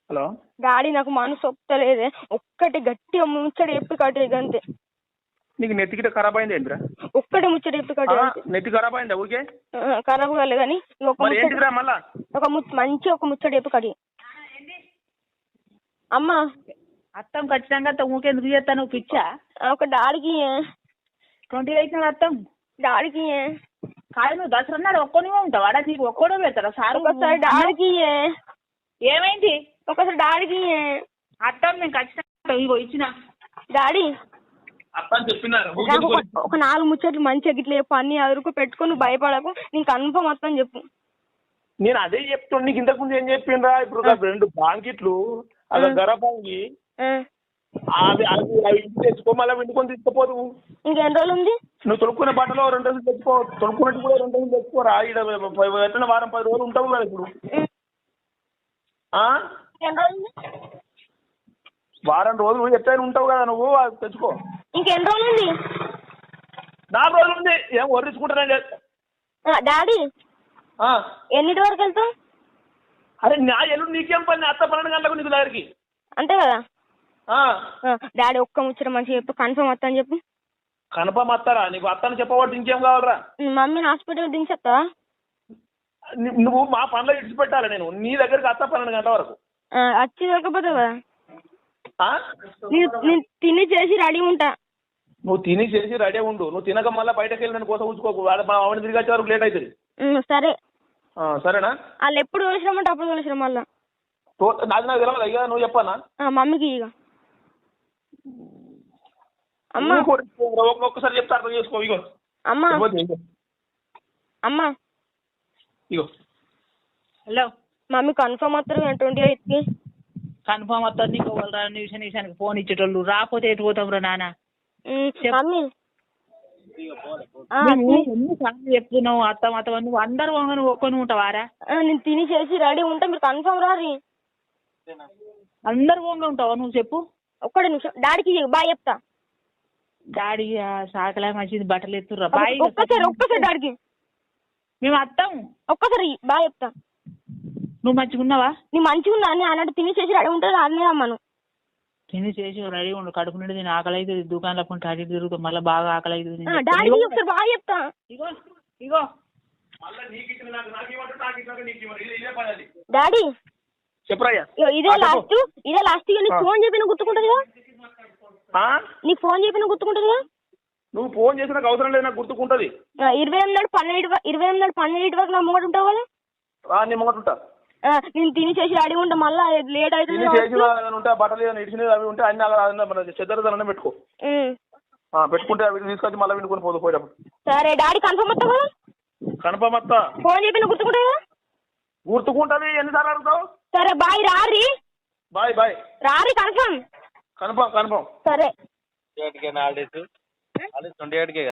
Hello daddy నాకు మనసు ఒప్పుతలేదే, ఒక్కటి గట్టిగా ముచ్చట చెప్పి కట్టేది అంతే. నీకు నెత్తి గిట్ట ఖరాబ్ అయింది ఏంటిరా? ఒక్కటి ముచ్చట చెప్పి కట్టేది. నెత్తి ఖరాబ్ అయిందా ఊరికే? ఖరాబ్ కాలేదు కానీ ఏంటిరా మళ్ళా మంచి ఒక ముచ్చట చెప్పి కట్టి. అమ్మా అత్తం ఖచ్చితంగా ఊకే ఎందుకు చేస్తాను పిచ్చా? ఒక డాడీకి 28 అత్తం డాడీకి కాదు. నువ్వు దసరా నాడు ఒక్కనే ఉంటావు అడా? నీకు ఒక్కడో పెడతారా సార్? ఒకసారి డాడీకి ఏమైంది? ఒకసారి డాడీకి అత్తం నేను ఖచ్చితంగా ఇగో ఇచ్చిన డాడీ చెప్పినారు. నాకు ఒక 4 ముచ్చట్లు మంచిగా గిట్ల చెప్పు, అన్ని అదురుకు పెట్టుకొని నువ్వు భయపడకు, నీకు కన్ఫర్మ్ మొత్తం చెప్పు. నేను అదే చెప్తాను నీకు. ఇంతకు ముందు ఏం చెప్పిండ్రా? ఇప్పుడు 2 బాంకిట్లు అలా గరపాంగి అవి ఇంటికి తెచ్చుకో, మళ్ళీ వండుకొని తీసుకుపోదు. ఇంకెన్ని రోజులు ఉంది? నువ్వు తొడుక్కునే బట్టలో 2 రోజులు తెచ్చుకో, తొడుక్కున్నట్టు కూడా 2 రోజులు తెచ్చుకోరా. ఎట్లా వారం 10 రోజులు ఉంటావు కదా ఇప్పుడు. వారం రోజులు ఎట్లయినా ఉంటావు కదా నువ్వు, అది తెచ్చుకో. ఇంకెన్ని రోజులు ఉంది? 4 రోజులు ఉంది. ఏం వర్రించుకుంటానే డాడీ. ఎన్నిటి వరకు వెళ్తావు? అరే నా ఎల్లుండి నీకేం పని? అత్త 12 గంటలకు నీకు దగ్గరికి అంతే కదా. డాడీ ఒక్క ముచ్చట మంచిగా చెప్పు, కన్ఫర్మ్ వస్తా అని చెప్పు. కన్ఫర్మ్ వస్తారా? నీకు అత్తని చెప్పబట్టి ఇంకేం కావాలరా? మమ్మీని హాస్పిటల్ దించేస్తావా? నువ్వు మా పనిలో ఇడిచిపెట్టాలి. నేను నీ దగ్గరికి అత్త 12 గంటల వరకు వచ్చి దొరకపోతావు కదా. నేను తిని చేసి రెడీ ఉంటా. నువ్వు తిని చేసి రెడీ ఉండు. నువ్వు తినక మళ్ళీ బయటకు వెళ్ళి నేను కోసం ఉంచుకోకు. ఆవిడ తిరిగి వచ్చే వరకు లేట్ అవుతుంది. సరే. సరేనా? వాళ్ళు ఎప్పుడు తోలిసినామంటే అప్పుడు తోలిసినాం. మళ్ళా నాకు తెలియదు. ఇక నువ్వు చెప్పానా? మమ్మీకి ఇక అమ్మా ఒక్కసారి చెప్తా అర్థం చేసుకో. ఇగో అమ్మా అమ్మా ఇగో హలో మమ్మీ కన్ఫర్మ్ వస్తారు 28కి. కన్ఫర్మ్ వస్తుంది. నీకు నిమిషానికి ఫోన్ ఇచ్చేటోళ్ళు రాకపోతే ఎటు పోతాం రా నాన్న? మమ్మీ ఎన్నిసార్లు చెప్తున్నావు అత్తం అత్తం? నువ్వు అందరు నువ్వు ఒక్కని ఉంటావారా? నేను తిని చేసి రెడీ ఉంటా, మీరు కన్ఫర్మ్ రారి. అందరు ఓంగా ఉంటావా నువ్వు? చెప్పు. ఒక్కడే నిమిషం డాడీకి బాయ్ చెప్తా. డాడీ సాకలా మంచిది, బట్టలు ఎత్తుర్రా బాయ్. ఒక్కసారి డాడీకి మేము అత్తం. ఒక్కసారి బాయ్ చెప్తా. నువ్వు మంచిగా ఉన్నావా? నీ మంచిగా ఉన్నా అని అన్నట్టు తిని చేసి రెడీ ఉంటుంది. అన్నీ అమ్మను తిని చేసి రెడీ ఉండు. కడుపు నుండి నేను ఆకలి అవుతుంది. దుకాణంలో కొంటే అటు తిరుగుతాం. మళ్ళీ బాగా ఆకలి అవుతుంది. డాడీకి ఒకసారి బాయ్ చెప్తా. ఇగో ఇగో డాడీ చెప్పరాయ్యా. ఇదే లాస్ట్ నీకు ఫోన్ చెప్పిన గుర్తుకుంటుంది కదా. నీకు ఫోన్ చెప్పిన గుర్తుకుంటుంది కదా. నువ్వు ఫోన్ చేసిన అవసరం లేదు, నాకు గుర్తుకుంటది. 28 నాడు 12 వరకు నా ముంగట ఉంటావు కదా. నేను ముంగట ఉంటా. నేను తిని చేసి రెడీ ఉంటా. మళ్ళీ లేట్ అవుతుంది. ఉంటే బట్టలు ఇడిచినవి అవి ఉంటే అన్ని చెద్దరదన పెట్టుకో. పెట్టుకుంటే అవి తీసుకొచ్చి మళ్ళీ వినుకొని పోదు పోయేటప్పుడు. సరే డాడీ కన్ఫర్మ్ వస్తా కదా. కన్ఫర్మ్ వస్తా. ఫోన్ చెప్పిన గుర్తుకుంటుంది కదా. గుర్తుకుంటది. ఎన్నిసార్లు అడుగుతావు? సరే బాయ్. రారి బాయ్ రారి కన్ఫర్మ్. కన్ఫర్మ్ సరే 28కే హాలిడేస్ 28కే